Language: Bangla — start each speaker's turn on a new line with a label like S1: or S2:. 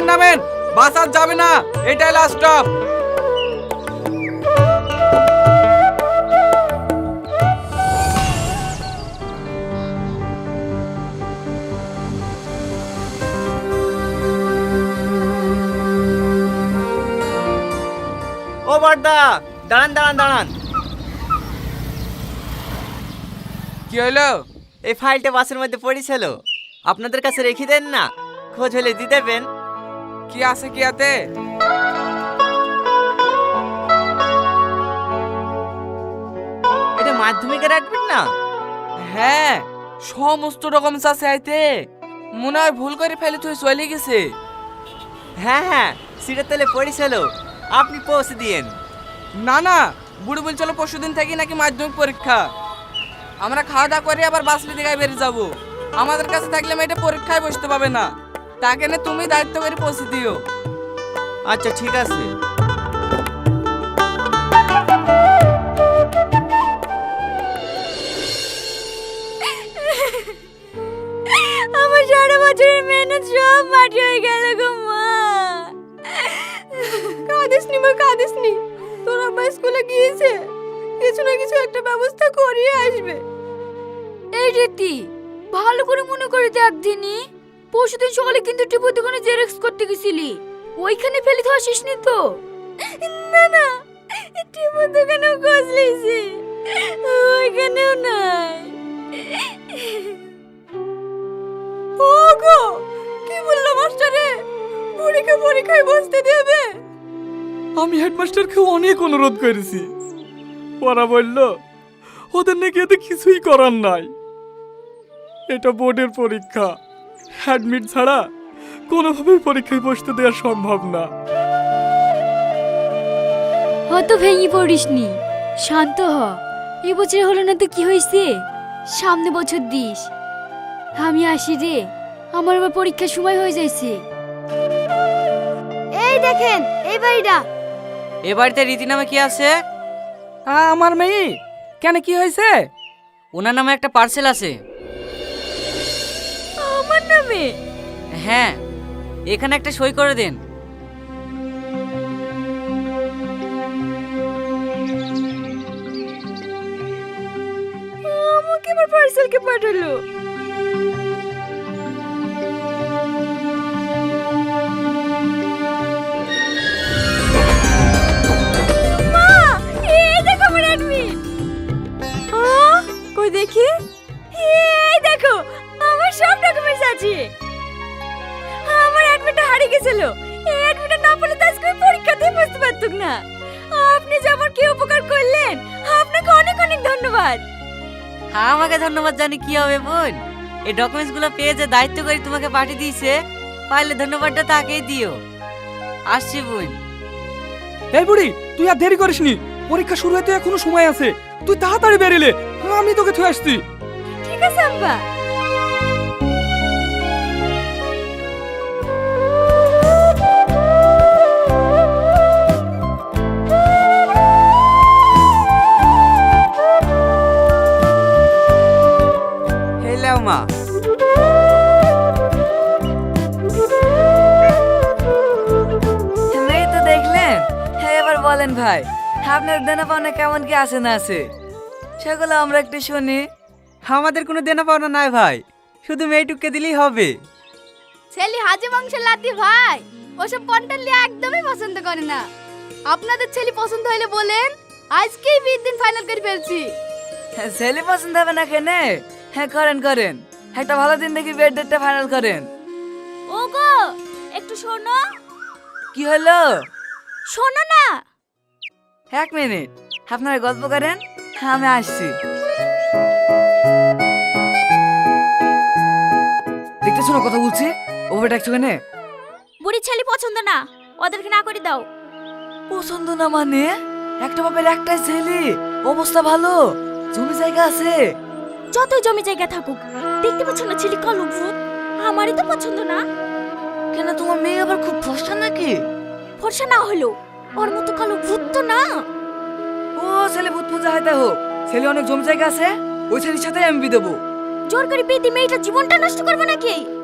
S1: নামেন, বাস আর যাবে না, এটাই লাস্ট স্টপ।
S2: ও বড়দা, দাঁড়ান দাঁড়ান দাঁড়ান।
S1: কি হলো?
S2: এই ফাইলটা বাসের মধ্যে পড়েছিল, আপনাদের কাছে রেখে দেন না, খোঁজ হলে দিয়ে দেবেন।
S1: কি আছে কি আতে?
S2: এটা মাধ্যমিকের অ্যাডমিট না?
S1: হ্যাঁ, সমস্ত ডকুমেন্টস আছে আইতে। মনে হয় ভুল করে ফেলে তুই চলে গেছে।
S2: হ্যাঁ হ্যাঁ, সিটের তলে পড়েছিল, আপনি পৌঁছে দিয়েন।
S1: না না, বুড়ো বলছিল পরশুদিন থেকে নাকি মাধ্যমিক পরীক্ষা। আমরা খাওয়া দাওয়া করে আবার বাসলি দিঘায় বেরিয়ে যাব। আমাদের কাছে থাকলে মেয়েটা পরীক্ষায় বসতে পাবে না। তাকে না তুমি দায়িত্ব করে পৌঁছে দিও।
S2: আচ্ছা ঠিক আছে।
S3: আমার সারা বছরের মেহনত সব মাটি হয়ে গেল গো মা। কাঁদিস নি মা, কাঁদিস নি। তোর আব্বা স্কুলে গিয়েছে, কিছু না কিছু একটা ব্যবস্থা করিয়ে আসবে। এই রীতি, ভালো করে মনে করে দেখ দিনি, পরশুদিন সকালে কিন্তু টিপুর দোকানে জেরক্স করতে গেছিলি, ওইখানে ফেলে তো আসিসনি তো? না না, টিপুর দোকানেও খোঁজ লিয়েছি, ওইখানেও নাই। ওগো, কি বললো মাস্টারে? পরীক্ষায় বসতে দেবে?
S1: আমি হেডমাস্টারকে অনেক অনুরোধ করেছি, ওরা বলল ওদের নাকি এতে কিছুই করার নাই। এটা বোর্ডের পরীক্ষা, অ্যাডমিট ছাড়া কোনোভাবেই পরীক্ষায় বসতে দেওয়া সম্ভব না।
S3: হয়তো ভেঙে পড়িসনি, শান্ত হ। এই বছর হলো না তো কি হয়েছে, সামনে বছর দিস। আমি আসি রে, আমার আবার পরীক্ষার সময় হয়ে যাইছে। এই দেখেন, এই বাড়িটা।
S2: এ বাড়িতে রীতি নামে কি আছে?
S1: আমার মেয়ে, কেন কি হয়েছে?
S2: ওনার নামে একটা পার্সেল আছে।
S3: আমার নামে?
S2: হ্যাঁ, এখানে একটা সই করে দেন।
S3: আমাকে আমার পার্সেলকে পাঠালো। মা, এই দেখো আমার অ্যাডমিট। কই দেখি? এই দেখো, আমার সব ডকুমেন্টস আছে। আমার অ্যাডমিটটা হারিয়ে গেছিল, এই অ্যাডমিটটা না পেলে তো আজকে পরীক্ষাতেই বসতে পারতুক না। আপনি যে আমার কি উপকার করলেন, আপনাকে অনেক অনেক ধন্যবাদ।
S2: আমাকে ধন্যবাদ জানি কি হবে বোন, এই ডকুমেন্টস গুলো পেয়ে যে দায়িত্ব করে তোমাকে পাঠিয়ে দিয়েছে, পারলে ধন্যবাদটা তাকেই দিও। আসছি বোন।
S1: এই বুড়ি, তুই আর দেরি করিসনি, পরীক্ষা শুরু হতে এখনো সময় আছে। তুই তাড়াতাড়ি বেরিলে, আমি তোকে থুয়ে আসছি।
S3: ঠিক আছে আব্বা।
S2: হেলাও মা।
S4: এই তো দেখলেন, এবার বলেন ভাই, আপনার দেনা পাওনা কেমন কি আছে না আছে, সেগুলো আমরা একটু শুনি।
S2: আমাদের কোনো দেনা পাওনা নাই ভাই, শুধু মেয়েটুককে দিলেই হবে।
S3: ছেলে হাজে বংশের লাতি ভাই, ওসব পন্টালি একদমই পছন্দ করে না। আপনাদের ছেলে পছন্দ হইলে বলেন, আজকেই বিয়ের দিন ফাইনাল করে ফেলছি।
S4: ছেলে পছন্দ হবে না কেনে? হ্যাঁ করেন করেন, একটা ভালো দিন দেখি বিয়ের ডেটটা ফাইনাল করেন।
S3: ওগো, একটু শোনো।
S4: কি হলো?
S3: শোনো না।
S4: 1 মিনিট, আপনারা গল্প করেন, আমি আসছি। দেখতেছো না কথা বলছি, ওভার ডাকছো কেনে?
S3: বুড়ি ছেলে পছন্দ না, ওদেরকে না করে দাও।
S4: পছন্দ না মানে? একটা বাপের একটাই ছেলে, অবস্থা ভালো, জমি জায়গা আছে।
S3: যতই জমি জায়গা থাকুক, দেখতে পাচ্ছ না ছেলে কালো ভূত, আমারই তো পছন্দ না।
S4: কেন, তোমার মেয়ে আবার খুব ফর্সা নাকি?
S3: ফর্সা না হলো, ওর মতো কালো ভূত তো না।
S4: ও ছেলে ভূত পূজা হয়, হোক, ছেলে অনেক জমি জায়গা আছে, ওই ছেলের সাথে আমি বিয়ে দেবো।
S3: জোর করে বিয়ে দিয়ে মেয়েটার জীবনটা নষ্ট করবো নাকি?